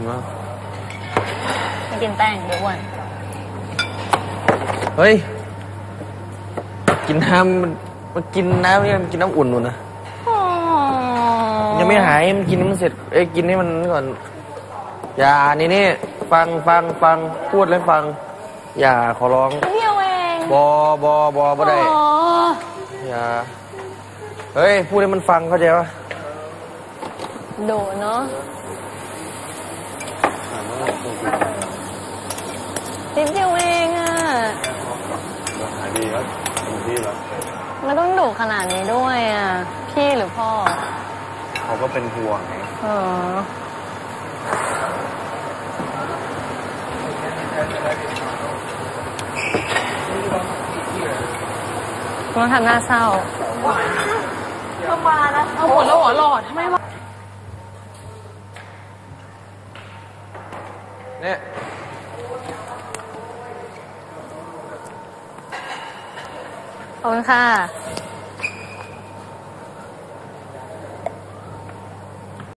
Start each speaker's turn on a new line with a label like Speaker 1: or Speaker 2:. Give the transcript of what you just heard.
Speaker 1: ไม่กินแป้งเดี๋ยวอ้วน
Speaker 2: เฮ้ยกินน้ำมันกินน้ำเนี่ยมันกินน้ำอุ่นนู่นนะยังไม่หายมันกินมันเสร็จกินให้มันก่อนอย่านี่ฟังพูดแล้วฟังอย่าขอร้อง
Speaker 1: เดียวเอง
Speaker 2: บอได้อย่าเฮ้ยพูดให้มันฟังเข้าใจปะ
Speaker 1: โดเนาะนิดเดียวเองอ่ะ
Speaker 3: หายดีแล้วดีแล้ว
Speaker 1: ไม่ต้องดุขนาดนี้ด้วยอ่ะพี่หรือพ่อ
Speaker 3: เขาก็เป็นห่วงไง
Speaker 1: ต้องทำหน้าเศร้าเข้ามานะเอาหมดแล้วหัวหลอดทำไมวะ
Speaker 2: เนี่ย
Speaker 1: ขอบคุณค่ะ